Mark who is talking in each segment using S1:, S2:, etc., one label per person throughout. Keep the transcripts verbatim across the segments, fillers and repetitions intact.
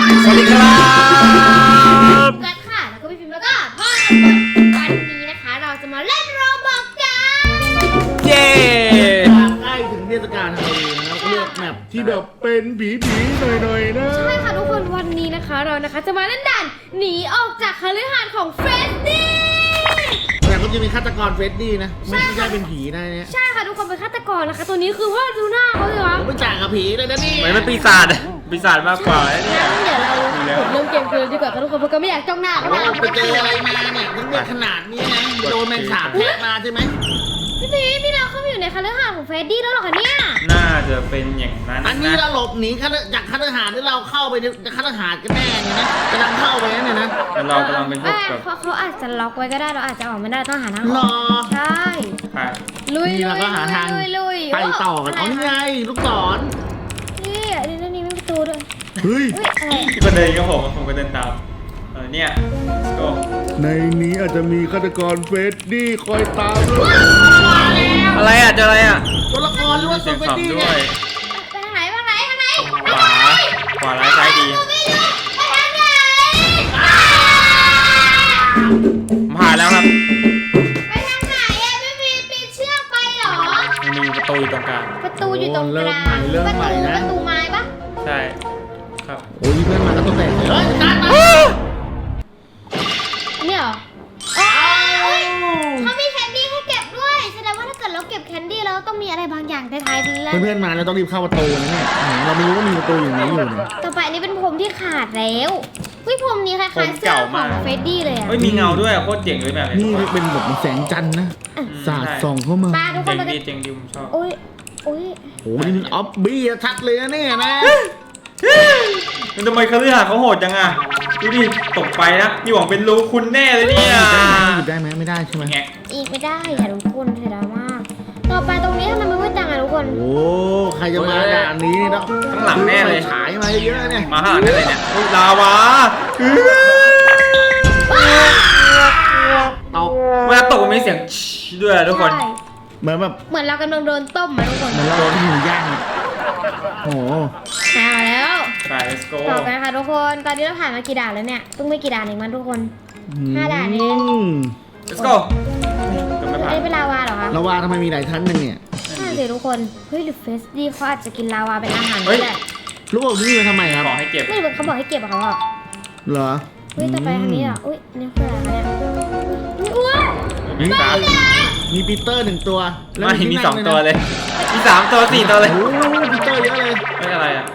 S1: สวัสดีครับ
S2: กัดค่ะแล้วก็พี่พิมพ์แล้วก็พ่อวันนี้นะคะเราจะมาเล่นโรบอกกัน
S1: เย้
S3: ใกล้ถึงเทศกาลฮาโลวีนแล้วก็เลือกแมปที่แบบเป็นผีผีหน่อยๆนะ
S2: ใช่ค่ะทุกคนวันนี้นะคะเรานะคะจะมาเล่นด่านหนีออกจากคฤหาสน์ของเฟรดดี้
S3: แต่ก็จะมีฆาตกรเฟรดดี้นะไม่ใช่เป็นผีนะเนี่ย
S2: ใช่ค่ะทุกคนเป็นฆาตกรนะคะตัวนี้คือว่าดูหน้าเขาเลยวะ
S3: ผมไม่จ่ายกับผีเลยนะนี่
S1: เหมือนเป็นปีศาจปีศาจมากกว่าเนี่ย
S2: งั้นเดี๋ยวเรากดเริ่มเกมกันเลยดีกว่าค่ะทุกคนเพราะก็ไม่อยากจ้องหน้าเขา
S3: โอ้ไปเจออะไรมาเนี่ยถึงได้ขนาดนี้นะโดนแมงสาบแทะมาใช่ไหม
S2: พี่พีพี่เราเข้ามาอยู่ในคฤหาสน์ของเฟรดดี้แล้วเหรอคะเนี่ย
S1: น่าจะเป็นอย่างนั้น
S3: อันนี้
S1: นะ
S3: เราหลบหนีจากฆาตหาสน์ที่เราเข้าไปในฆาตหาสน์กันแน่เนี่ยนะกำลังเข้าไปนั่นเนี่ยนะ
S1: แล้วเรากำลังเป็นพวก
S2: เอ้ย
S1: แบบ
S2: เขาเขาอาจจะล็อกไว้ก็ได้เราอาจจะออกไม่ได้ต้องหาทางอ
S3: ร
S2: อก
S3: อ
S2: ใช่
S1: ไป
S2: ลุย
S3: นี่เราก็หาทาง
S2: ลุยลุย
S3: ไปต่อกันอ๋อนี่ไงลูกศร
S2: นี่อันนี้นี่มีประตูด้วย
S3: เฮ้ย
S2: อุ้ยอะไรอะ
S1: ที่ก็เดินกับผมผมก็เดินตามเออเนี่ยก็
S3: ในนี้อาจจะมีฆาตกรเฟรดดี้คอยตามด้วย
S1: อะไรอ่ะเจออะไรอ่ะ
S3: ตัวละครหรือว่า
S1: เสี
S3: ตั
S1: ยว ง
S3: เฟรดดี้
S1: ขำด้
S3: เนี่
S1: วย ย
S2: ไปทางไหนทางไหนทางไหน
S1: ขวาขวาร้ายซ้ายดี
S2: ไม่รู้ไปทางไหน
S1: ผมผ่านแล้วครับ
S2: ไปทางไหนอะพี่พีปีนเชือกไปเหรอ
S1: มันมีประตูอยู่ตรงกลาง
S2: ประตูอยู่ตรงกลาง
S3: เริ่ม
S2: ประ
S3: ใหม่
S2: ตู
S3: เริ่มใหม่
S2: ป
S3: นะ
S2: ระตูไม้ปะ
S1: ใช่ครับ
S3: โอ้ยเพื่อนมาก็ต้องแตกเลยเฮ้ยการมา
S2: เนี่ยเหรออ๋อเฮ้ยเขามีแคนดี้ให้เก็บด้วยแสดงว่าถ้าเกิดเราเก็บแคนดี้แล้วต้องมีอะไรบางอย่างท้ายๆแล้ว
S3: เพื่อนๆมาเราต้องรีบเข้าประตูนะเนี่ยเราไม่รู้ว่ามีประตูอย่างนี้อยู่เนี่ย
S2: ต่อไปอันนี้เป็นพรมที่ขาดแล้ววิพรมนี้คล้ายๆเสื้อของเฟรดดี้เลยอะ
S1: เฮ้ยมีเงาด้วยอ่ะโคตรเจ๋งเลยแบบ
S3: นี่
S1: นี้
S3: เป็นแบบแสงจันทร์นะสาดส่องเข้ามา
S2: ป้าทุกค
S1: เจ๋
S2: น
S1: ง
S2: เราจะ
S1: ดีเจ๋งดีผมชอบ
S2: โอ้ยโอ้ย
S3: โอ้นี่มันออฟบี้ชัดเลยนะเนี่ยนะ
S1: มันทำไมคฤหาสน์เขาโหดจังอ่ะดูดิตกไปนะนี่หวังเป็นรูคุณแน่เลยเนี่ย
S3: หยุดได้ไหมไม่ได้ใช่ไหม
S1: แงะ
S2: อีกไม่ได้ค่ะทุกคนเสียดายมาก ต่อไปตรงนี้ทำไมมันมืดจังอะทุกคน
S3: โอ้ใครจะมาด่านนี้นี่ต้อง
S1: ข้างหลังแน่เลย
S3: ฉายมาเยอะๆเนี่ย
S1: มาข้างหลังได้เลยเนี่ยอุ๊ยลาวา
S3: ตก
S1: เวลาตกมันมีเสียงชิด้วยอะทุกคน
S2: ใช่
S3: เหมือนแบบ
S2: เหมือนเรากำลังโดนต้มอะทุกคน
S3: เหมือนเราโดนหมูย่างโอ้โห
S2: มาแล้ว
S1: ไป let's go
S2: ต่อไปค่ะทุกคน ตอนนี้เราผ่านมากี่ด่านแล้วเนี่ยเพิ่งไม่กี่ด่านเองมั้งทุกคน ห้าด่านเอง
S3: อืม
S1: let's go ก็ไม่ผ่าน
S2: ได้เป็นลาวาเหรอคะ
S3: ระวาทำไมมีหลายชั้นหนึ่งเนี่ย
S2: น่าสิทุกคน เฮ้ยหรือเฟสดีเขาอาจจะกินลาวาเป็นอาหาร
S1: เฮ้
S2: ก็
S1: ย
S2: ได้
S3: ลูกอมนี่มาทำไมครับ
S1: ขอให้เก็บ
S2: ไม่รู้เขาบอกให้เก็บอะเขาบอก
S3: เหรอ
S2: เฮ้ยต่อไปทางนี้เหรออุ้ยนี่คืออะไรคะเนี่ยอุ๊ยอ้วน
S1: มีสาม
S3: มีปีเตอร์หนึ่งตัวแล้ว
S1: ไม่
S3: ที่
S1: มี
S3: นั่
S1: สอง
S3: ด้วยนะ
S1: ตัวเลย มีสามตัวสี่ตัวเลย
S3: โอ้โหปีเตอร์เยอะเลย
S1: ไม่อะไรอ่ะ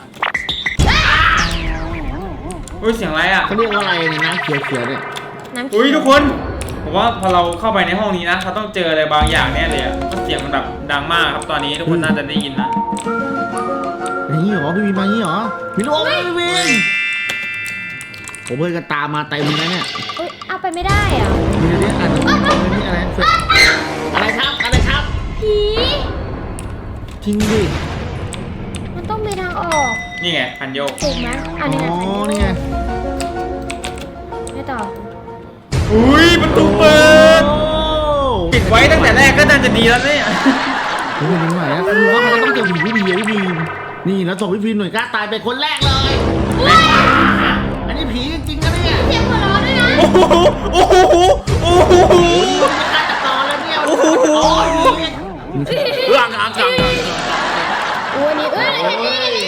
S1: อุ้ยเสียงอะไรอ่ะ
S3: เขาเรียกว่าอะไรเนี่ยน้ำเขียวๆเนี่ย
S2: น้ำ
S1: อุ้ยทุกคนผมว่าพอเราเข้าไปในห้องนี้นะเราต้องเจออะไรบางอย่างแน่เลยอ่ะเพราะเสียงมันแบบดังมากครับตอนนี้ทุกคนน่าจะได้ยินนะ
S3: นี่เหรอพี่วินมานี่เหรอมีลูกอมไหมพี่วินผมเพื่อนกันตามมาเต็มเลยนะเนี่ย
S2: อุ้ยเอาไปไม่ได้อะ
S3: มีเรื่องอะไรนี่อะไรอะไรครับอะไรครับ
S2: ผี
S3: จริงดิ
S2: มันต้องมีทางออก
S1: นี่ไงพันโยก
S2: ถูกไหมอัน
S3: อ๋
S2: นี้ไง
S3: อนี่ไง
S2: ไม่ต่อ
S1: อุ้ยประตูเปิด
S3: โอ้
S1: ปิดไว้ตั้งแต่แรกก็น่าจะดีแล้วเนี่ย
S3: เฮ้ยเป็นใหม่แล้วคือว่าเขาต้องเจอผีผู้ดีพี่วินนี่แล้วส่งพี่วินหน่วยกล้าตายไปคนแรกเลยอันนี้ผีจริงๆนะเนี่ย
S2: เสียงหัวเราะด้วยนะ
S1: โอ้โหโอ้โหโอ้โห
S3: โอ้ยฆาตกรแล้วเนี่ย
S1: โอ้โห
S3: เรื่องทางทาง
S2: อู้อันนี้เอ้ยเห็นนี่เห็นนี่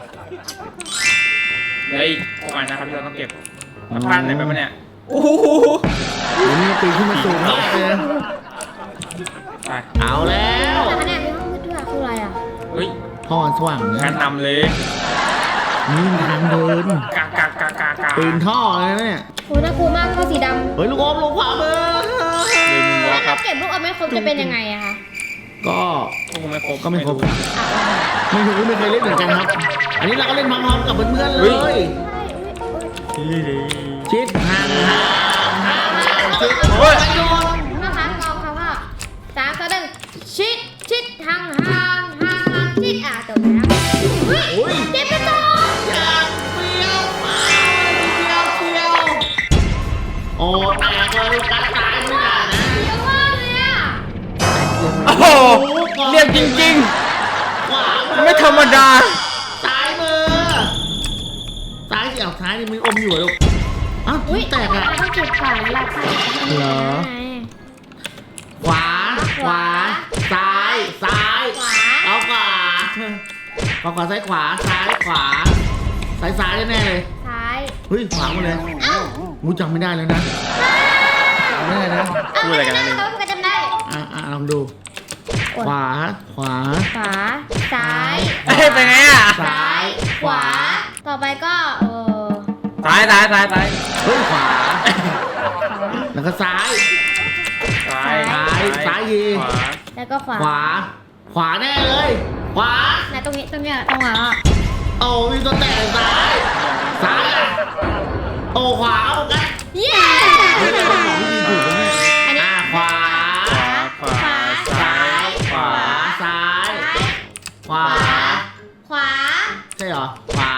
S1: เฮ้ยพวกมันนะครับที่เราต้องเก็บมาพลาดอะไรไปปะเนี่ยโอ้โห
S3: เดี๋ยวนี้ปีนขึ้นมาสูงมากเลย
S1: ไป
S3: เอาแล้ว
S2: แต่คะแนนในห้องมืดด้วยอะคืออะไรอ่ะ
S1: เฮ้ย
S3: พ่อสว่าง
S1: กา
S3: นะ
S1: รนำเลย
S3: นี่ทางเดิน
S1: กากากากากา
S3: ปีนท่อเลยนะเนี่ย
S2: โอ้น่ากลัวมากท่อสีดำ
S3: เฮ้ยลูกอมลงขวามือ
S1: เดินมุมวอล์ค
S2: ถ้า
S1: ครับ
S2: เก็บลูกอมไม่ครบจะเป็นยังไงอะคะ
S3: ก็
S1: ก็คงไม่ครบ
S3: ก็ไม่ครบ
S2: อ่ะ
S3: ไม่รู้ไม่เคยเล่นเหมือนกันครับ อันนี้เราก็เล่นพร้อมๆกับเพื่อนๆเล
S1: เฮ้
S3: ย
S2: ใช่อุ้ยอุ้ย
S3: ชิดห่างห่างห่างชิด
S1: โอ้ย
S2: นะคะกองคำว่าสามต่อหนึ่งชิดชิดห่างห่างห่างห่างชิดอ่ะจบแล้วเฮ้ย
S3: โอ้ย
S2: เจ็บไปต่อ
S3: อยากเปรี้ยวมาเปรี้ยวเปรี้ยวโอ้แตกเลยตายตายไม่ได้นะ
S2: เยอะมากเลยอ่ะ
S1: โอ้โหเรียบจริง
S3: ขวา
S1: ๆ ไม่ธรรมดา
S3: ซ้ายมือซ้ายสิเอาซ้ายนี่มันอมอยู่เหรอลูกอ้าว
S2: อุ้ย
S3: แตกอ่ะ
S2: เราต้องเก็บก่อนแล้วล่ะค่ะ
S3: เหรอ ขวา ขวา ซ้าย ซ้าย
S2: ขวา
S3: เอาขวาขวาขวาซ้ายขวา ซ้ายขวา ซ้ายซ้ายแน่ๆเลย
S2: ซ้าย
S3: เฮ้ยขวาหมดเลย
S2: เอ้า
S3: กูจำไม่ได้แล้วนะจำไม่ได้นะ
S1: พูดอะไรกันนะ
S2: เา
S1: นี่
S2: เขาก็จำได้
S3: อ่ะอ่ะลองดู ขวา ขวา
S2: ขวา ซ้าย
S1: เอ้ยไปไหนอ่ะ
S2: ซ้าย ขวา ต่อไปก็เออ
S1: ซ้ายซ้ายซ้ายซ้าย
S3: เฮ้ยขวา แล้วก็ซ้าย
S1: ซ้าย
S3: ซ้ายซ้ายยี
S1: ขวา
S2: แล้วก็ขวา
S3: ขวา ขวาแน่เลย ขวา
S2: ไหนตรงนี้ตรงเนี้ยตรงหัวอ่ะ
S3: โอ้มีตัวแตกซ้าย ซ้ายอ่ะโอ้ขวาเอากัน
S2: เย้
S3: เฮ้ยเราบอกวิธีถูกแล้วเนี่ย
S2: อันนี้
S3: อ่ะขวา
S1: ขวาขวาซ้ายขวา
S3: ซ้าย ขวา
S2: ขวา
S3: ใช่เหรอ ขวา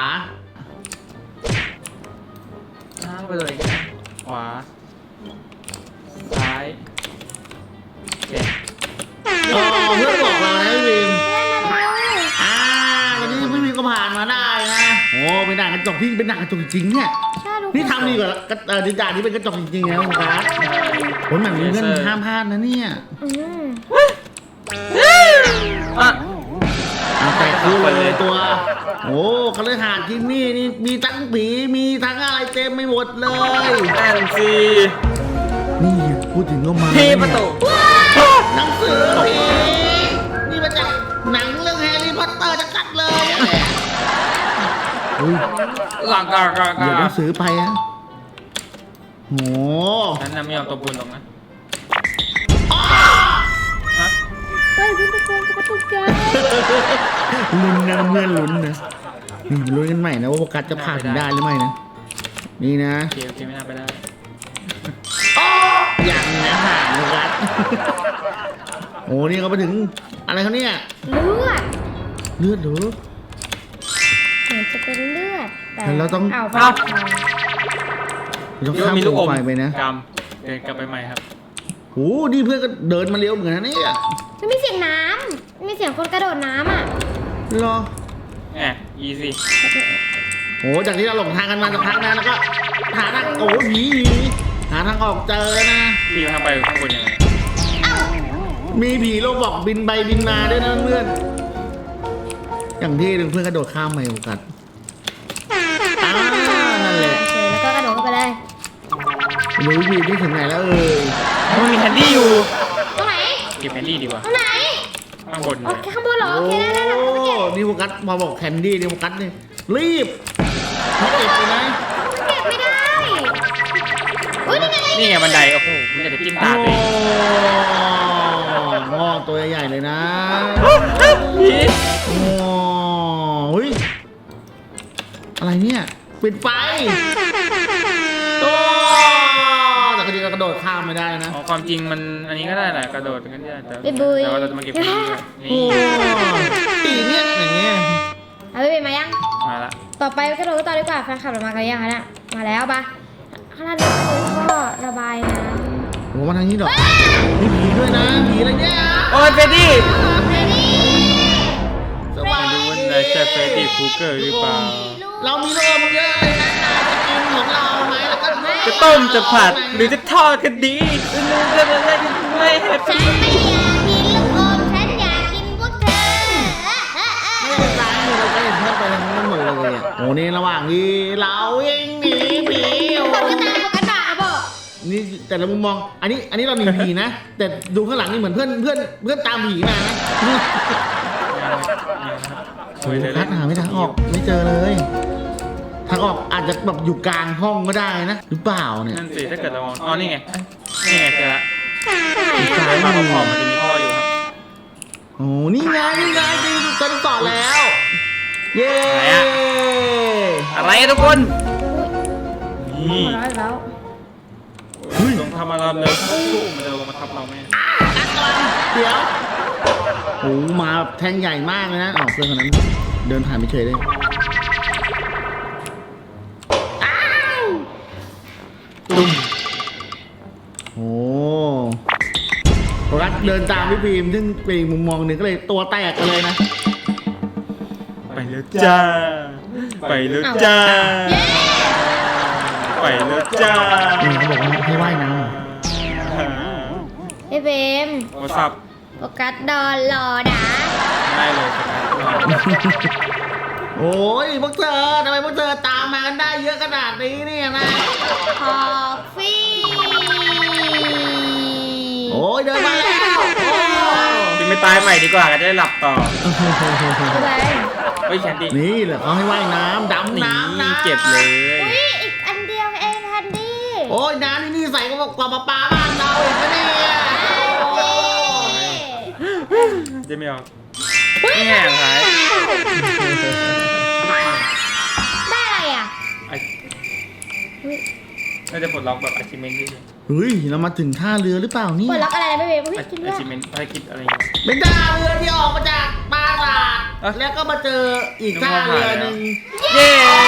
S1: ข้างไปเลยขวาซ้ายโอเค
S3: อ๋อเพื่อนบอกเรานะพี่บีม
S2: เพื่อนมาเร็ว
S3: อ่าตอนนี้พี่บีมก็ผ่านมาได้นะโอ้เป็นด่านกระจกที่เป็นด่านกระจกจริงๆเนี่ย
S2: ใช่ลูก
S3: นี่ทำดีกว่ากระเอ่อด่านนี้เป็นกระจกจริงๆนะคุณครับโอ้ยหนังเพื่อนห้ามพลาดนะเนี่ย
S2: อืม
S1: อ่ะ
S3: เอาแต่คือเลยตัว โอ้คฤหาสน์ที่นี่นี่มีทั้งผีมีทั้งอะไรเต็มไม่หมดเลย
S1: นั่นสิ
S3: นี่พูดถึงก็มา
S1: ที่ประตู
S3: หนังสือผีนี่มาจากหนังเรื่องแฮร์รี่พอตเตอร์จะกัดเลยเนี่ยอุ้ย
S1: หลังกากา
S3: เดี๋ยวห
S1: กา
S3: นังสือไปอะโห
S1: นั้นนะไม่ยอมตัวบุญหรอกนะ
S2: เฮ้ยเพื่อนตะโกนกระตุกใจ
S3: ลุ้นนะเพื่อนลุ้นนะนี่ลุ้นกันใหม่นะว่าโฟกัสจะผ่านได้หรือไม่นะนี่นะ
S1: โอเคโอเคไม่น่าไปได้
S3: ยังนะผ่านโฟกัสโอ้นี่เขาไปถึงอะไรเขาเนี่ย
S2: เลือด
S3: เลือดเหรอ
S2: เหมือนจะเป็นเลือดแต่
S3: แล้วเราต้อง
S2: เอาไป
S1: เอ้า
S3: ต้อง
S1: คิด
S3: ข้า
S1: ว่าม มีลูกอม
S3: ไฟไปนะ
S1: กำเดินกลับไปใหม่ครับ
S3: โอ้นี่เพื่อนก็เดินมาเร็วเหมือนกันนะเนี่ย
S2: มันมีเสียงน้ำมีเสียงคนกระโดดน้ำอ่ะ
S3: รอ
S1: แหม easy
S3: โอ้จากที่เราหลงทางกันมาสักพักนะแล้วก็หาทางโอ้ผีผีหาทางออกเจอนะ
S1: พี่ทางไปข้างบนยังไง
S3: มีผีโลบอกบินไปบินมาด้วยนะเพื่อนอย่างที่หนึ่งเพื่อนกระโดดข้ามไปโอกาสอ่านั่นแหละ
S2: โอเคแล้วก็กระโดดเข้าไปเลย
S3: รู้วิธีที่ถึงไหนแล้วเอ่ย
S1: มันมีแฮนดี้อยู่
S2: ตรงไหน
S1: เก็บแฮนดี้ดีกว่า
S2: ตรงไหน
S1: ข้างบนเล
S2: โอย เคข้างบนเหรอโอเคได้ได้ได้
S3: โอ้
S2: เก็บ
S3: นี่โฟกัสพอบอกแคนดี้นี่โฟกัสนี่รีบไม่เก็บเลยนะ
S2: เก็บไม่ได้อุ้ยนี่ไง
S1: นี่ไงบันได โอ้โหมันจะจิ้มตา
S3: โอ้
S1: ตัวเอง
S3: งอตัวใหญ่ๆเลยนะ
S1: ผี
S3: โอ้เฮ้ยอะไรเนี่ยปิดไฟโอ้แต่ก็ดีก็กระโดดข้ามไม่ได้นะ
S1: อ๋อความจริงมันอันนี้ก็ได้แหละกระโดดกันได้แต่
S2: ไปบุย
S1: แต่ว่าเราจะมาเก็บแฮนดี้ด้วย
S3: โอ้
S1: นี่
S3: ตีเนี่ยอย่างเงี้ย
S2: เอาไปเป็นมายัง
S1: มาละ
S2: ต่อไปกระโดดต่อดีกว่าแฟนคลับเรามากันยังคะเนี่ยมาแล้วปะข้างล่างนี่ก็ระบายน้ำ
S3: โอ้มาทางนี้ดอกมีผีด้วยนะผีอะไรเนี่ย
S1: โอ้ยเฟรดดี้
S2: เฮ้ยนี่
S3: สวัส
S1: ดู
S3: ดี
S1: ว่าในใช่เฟรดดี้คูเกอร์หรือเปล่า
S3: เรามีโลมเยอะเลยนะนายจะกินของเราไหมแล้วก็ไม่
S1: จะต้มจะผัดหรือจะทอดก็ดีจะจะจะไม่แฮป
S2: ฉัน
S1: ปี้
S2: ไม่อยากกินลูกอมฉันอยากกินพวกเธอ
S3: ไม่ได้ซ้ายมือเราก็เห็นเพื่อนไปทางนั้นหมดเลยอ่ะโอ้นี่ระหว่างที่เราเองหนีผีโอ้
S2: คนก็ตามคนก็ด่าบอก
S3: นี่แต่ละมุมมอง อันนี้อันนี้เราหนีผีนะ แต่ดูข้างหลังนี่เหมือนเพื่อนเพื่อนเพื่อนตามผีมานะโอ้คัดหาไม่ทางออกไม่เจอเลยทางออกอาจจะแบบอยู่กลางห้องก็ได้นะหรือเปล่าเนี่ย
S1: นั่นสิถ้าเกิดเรามองอ๋อนี่ไงนี่ไงเจอละ
S3: ซ้า
S1: ซ้าย ย
S3: มื
S1: มา
S3: อ
S1: พอๆมันจะมีท่ออยู่ครับ
S3: โอ้นี่ไงนี่ไงจริงเจอต่อแล้ว เย้
S1: อะไรอะทุกคน นี่
S2: ร้อยแล้ว
S1: ลงทำอะไรเลยสู้มันจะลงมาทับเราไหม
S3: เดี๋ยวโอ้มาแบบแทงใหญ่มากเลยนะอ้าวเพื่อนคนนั้นเดินผ่านไปเฉยเลยตุ้มโอ้โฟกัสเดินตามพี่บีมซึ่งเป็นอีกมุมมองหนึ่งก็เลยตัวแตกกันเลยนะ
S1: ไปแล้วจ้า ไปแล้วจ้า
S2: เย้
S1: ไปแล้วจ้า
S3: นี่เขาบอกว่าให้ว่ายน้
S2: พี่เบม
S1: โทรศัพท์
S2: โฟกัสดอนรอนะ
S1: ได้เลยครับ
S3: ำโอ้ยพวกเธอทำไมพวกเธอตามมากันได้เยอะขนาดนี้เนี่ยนะ
S2: คอฟฟี่
S3: โอ้ยเดินมาแล้วโอ้
S1: กินไปตายใหม่ดีกว่าก็จะได้หลับต่อ
S2: พี่เบม
S1: เฮ้ยแคนดี้
S3: นี่แหละเขาให้ว่ายน้ำดำ
S1: นี่
S3: น้ำนะ
S1: เก็บเลย
S2: อุ้ยอีกอันเดียวเองแคนดี้
S3: โอ้ยน้ำนี่นี่ใส่ก็บอกกว่าปลาปลาบ้านเราอีกนะเนี่ยโอ้ย
S1: จะไม่เอาแง่ท้าย
S2: ได้อะไรอ่ะ
S1: ไอ้น่าจะปลดล็อกแบบ achievement ด้วย
S3: เฮ้ยเรามาถึงท่าเรือหรือเปล่านี่
S2: เปิดล็อกอะไรนะพี่เบมอุ้ยจริงด้วย
S1: achievement ภารกิจอะไรอย่างเงี้ย
S3: เป็นท่าเรือที่ออกมาจากปราสาท
S1: อ่ะ
S3: แล้วก็มาเจออีกท่าเรือหนึ่ง
S1: เย้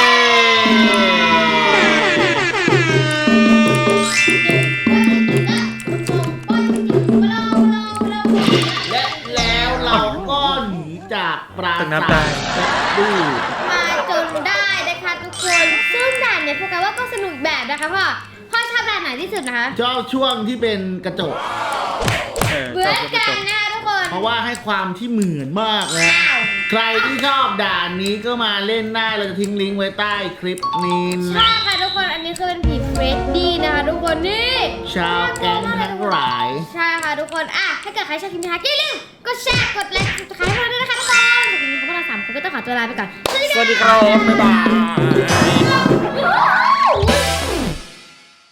S3: และแล้วเราก็หนีจากปราสาทดู
S2: มาจนได้นะคะทุกคนซึ่งด่านเนี่ยพวกกันว่าก็สนุกแบบนะคะพ่อพ่อชอบด่านไหนที่สุดนะคะ
S3: ชอบช่วงที่เป็นกระจก
S1: เออ
S2: เหมือน
S1: จบ
S2: กัน
S1: จบ
S2: นะทุกคน
S3: เพราะว่าให้ความที่เหมือนมากนะ
S2: อ้าว
S3: ใครที่ชอบด่านนี้ก็มาเล่นได้เราจะทิ้งลิงก์ไว้ใต้คลิปนี้
S2: ใช่
S3: นะ
S2: ค่ะทุกคนอันนี้คือเป็นผีเฟรดดี้นะคะทุกคนนี่
S3: ชาวแก๊งทั้งหลาย
S2: ใช่ค่ะทุกคนอ่ะถ้าเกิดใครชอบคลิปนี้นะคะอย่าลืมกดแชร์กดไลค์กดติดตามให้เราด้วยนะคะทุกคนวันนี้พวกเราสามคนก็ต้องขอตัวลาไปก่อนสวัสดี
S1: ส
S2: ค่ะ
S1: วัสดีครับบ๊ายบาย
S2: Woo!